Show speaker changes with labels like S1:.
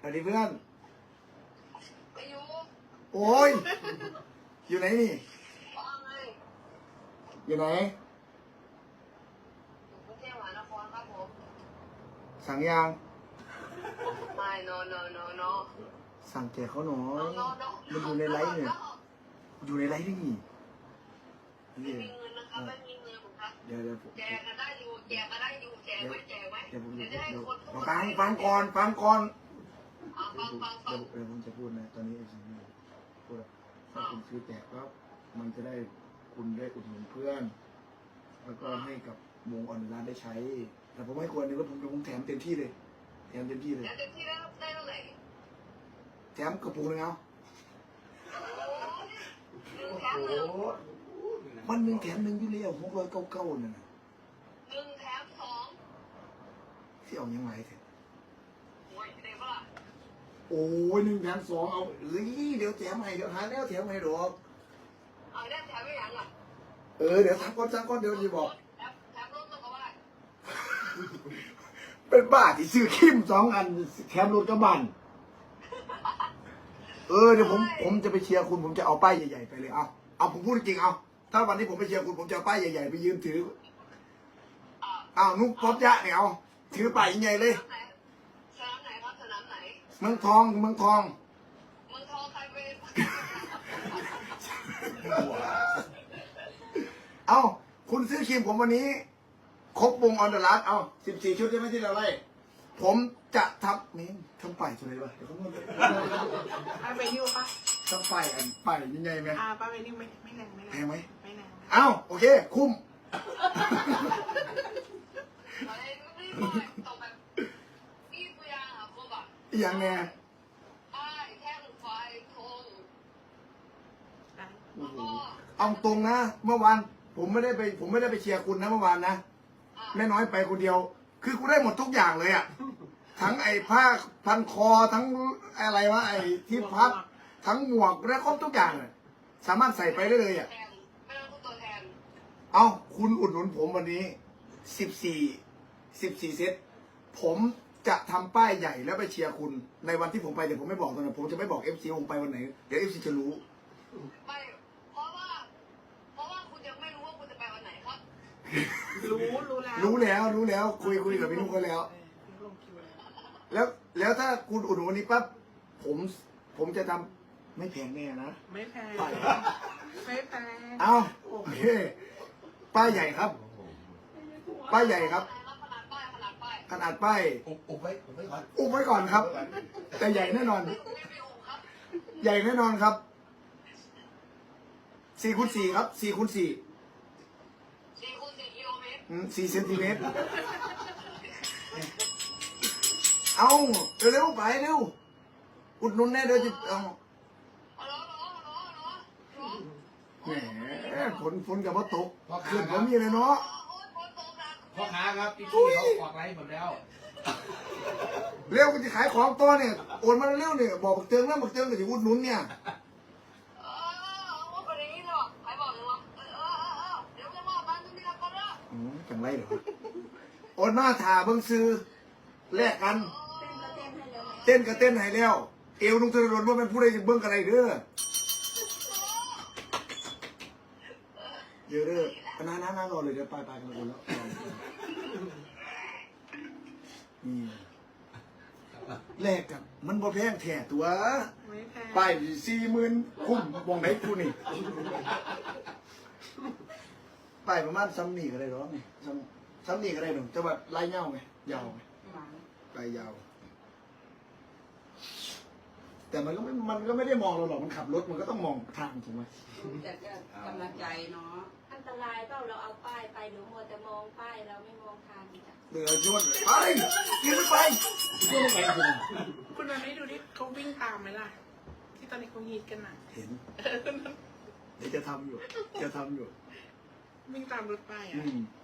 S1: สวัสดีเพื่อน
S2: ไปอยู่
S1: โอ้ย อยู่ไหนนี่
S2: ว่าไง
S1: อยู่ไหน
S2: อยู่กรุงเทพมหานครครับผม
S1: สั่งยาง
S2: ไม่ no
S1: สั่งแจกเขาหน่อย
S2: no
S1: มันอยู่ในไลฟ์เนี่ย อยู่ในไลฟ์นี่
S2: ไม่มีเงินนะครับไม่มีเงินผมครับ
S1: เดี๋ยวผม
S2: แจกกันได้อยู่แจกไว้เดี๋ยวจะให้คนพูด
S1: ฟังก่อน
S2: ฟัง
S1: เดี๋ยวผมจะพูดนะ ตอนนี้ไอ้สิ่งนี้พูดว่าถ้าคุณซื้อแจกแล้วมันจะได้คุณได้อุดหนุนเพื่อน แล้วก็ให้กับวงออนไลน์ได้ใช้ แต่ผมไม่ควรเลยว่าผมแถมเต็มที่เลย แถมเต็มที่เลย
S2: แล้วเต็มที่แล้วได้เท่าไหร่
S1: แถมกระปุกนึงเอา
S2: แถมหนึ่ง
S1: วันหนึ่งแถมหนึ่งอยู่แล้ว699นั่นน่ะ
S2: หนึ่งแถมสอง
S1: ที่เอายังไงเถอะ
S2: โอ้ยได้ปะล่ะ
S1: โอ้ย1 แถม 2เอาเอ้ยเดี๋ยวแถมให้เดี๋ยวหาแล้วแถมให้ดอก
S2: เอาได้แถมไม่ยังอ่ะ
S1: เดี๋ยวทักก่อนเดี๋ยวจะบอก
S2: แถมรถมันก็ว่า
S1: เป็นบ้าที่ซื้อคิม2 อันแถมรถกระบะเดี๋ยวผมจะไปเชียร์คุณผมจะเอาป้ายใหญ่ๆไปเลยเอาผมพูดจริงเอาถ้าวันนี้ผมไปเชียร์คุณผมจะเอาป้ายใหญ่ๆไปยืนถือนุ๊กป๊อปยะเนี่ยเอาถือป้ายใหญ่เลย
S2: สนามไหนครับสนามไหน
S1: เมืองทอง
S2: เมืองทองใครเป็น
S1: เอาคุณซื้อครีมผมวันนี้ครบวงออนเดอะรัสเอา14 ชุดใช่ไหมที่เราไล่ผมจะทำนี่ทำป้ายอะไรวะเดี๋ยวเขาพูด
S3: ป้าเวนิวปะ
S1: ทำป้ายป้ายยังไงไหม
S3: ป้าเวนิวไม่แรง
S1: แพงไหม
S3: ไม่แรง
S1: เอาโอเคคุ้ม
S2: อะไรไม่ได้ตกแบบนี่ตัวอย่างอ่ะพวกแบบ
S1: อย่างแน่
S2: ป้ายแท่งไฟธงแล้วก็
S1: เอาตรงนะเมื่อวานผมไม่ได้ไปเชียร์คุณนะเมื่อวานนะแม่น้อยไปคนเดียว คือกูได้หมดทุกอย่างเลยอะทั้งไอ้ผ้าพันคอทั้งอะไรวะไอ้ที่พับทั้งหมวกและครบทุกอย่างเลยสามารถใส่ไปได้เลยอะ
S2: แทนไม่ต้องพูดตัวแทน
S1: เอาคุณอุดหนุนผมวันนี้14 เซตผมจะทำป้ายใหญ่แล้วไปเชียร์คุณในวันที่ผมไปแต่ผมไม่บอกตอนนั้นผมจะไม่บอก FC ผมไปวันไหนเดี๋ยว FC จะรู้
S2: ไม่เพราะว่าคุณยังไม่รู้ว่าคุณจะไปวันไหนครับ
S3: รู้แล้ว
S1: รู้แล้วคุยกับพี่นุ๊กกันแล้ว
S3: ลงคิวแล้ว
S1: แล้วถ้าคุณอุดหนุนวันนี้ปั๊บผมจะทำไม่แพงแน่นะ
S3: ไม่แพง
S1: ไป
S3: ไม่แพง
S1: เอาโอเคป้ายใหญ่ครับป้ายใหญ่ครับ
S2: ขนาดป้าย
S1: ขนาดป้าย
S4: อุบไว้ก่อน
S1: อุ้มไว้ก่อนครับ แต่ใหญ่แน่นอน
S2: ไม่มีองค์ครับ
S1: ใหญ่แน่นอนครับ4x4ครับ4x4
S2: 4 กิโลเมตร
S1: 4 เซนติเมตรเอาเร็วไปเร็วอุดหนุนแน่เดี๋ยวจะเอา
S2: รอ
S1: แหมฝนกับว่าตกขึ้นผมมีเลยเนาะ
S2: โอ๊ยฝนตกหนัก
S4: พ่อค้าครับพี่เขาออกไลฟ์หมดแล้ว
S1: เร็วกูจะขายของตัวเนี่ยโอนมาเร็วเนี่ยบอกบักเตืองแล้วบักเตืองก็จะอุดหนุนเนี่ย
S2: ว่าประเด็นนี้เนาะใครบอกเลยวะเดี๋ยวจะมาบ้านตรงนี้ละก่อนละ
S1: จังไรเหรอโอนมาถ่าเบิ่งซื้อแลกกัน เต้นก็เต้นให้แล้ว เอวนุ่งธนดลว่าเป็นผู้ใดจะเบิ่งอะไรเด้อเดี๋ยวเด้อน้ารอเลยเดี๋ยวไปกันแล้วนี่แลกกับมันบ่แพงแท้ตัว
S3: ไม่แพง
S1: ไป40,000คุ้มวงไหนกูนี่ไปประมาณซ้ำนี่ก็ได้หรอนี่ซ้ำนี่ก็ได้หนุ่มจะแบบลายเงาไงยาวไงลายยาว แต่มันก็ไม่ได้มองเราหรอกมันขับรถมันก็ต้องมองทางถูกไหม
S5: แต่ก็กำลังใจเนาะอันตรายเปล่าเราเอาป้ายไปหรือมัวแต่มองป้ายเราไม่มองทางจ้ะ
S1: เดือดยวนไปยืนไป
S3: คุณวันนี้ดูดิเขาวิ่งตามไหมล่ะ ที่ตอนนี้เขาฮีทกันน่ะ
S1: เห็นเดี๋ยวจะทำอยู่
S3: วิ่งตามรถไป
S1: อื
S3: อ่ะ
S1: ม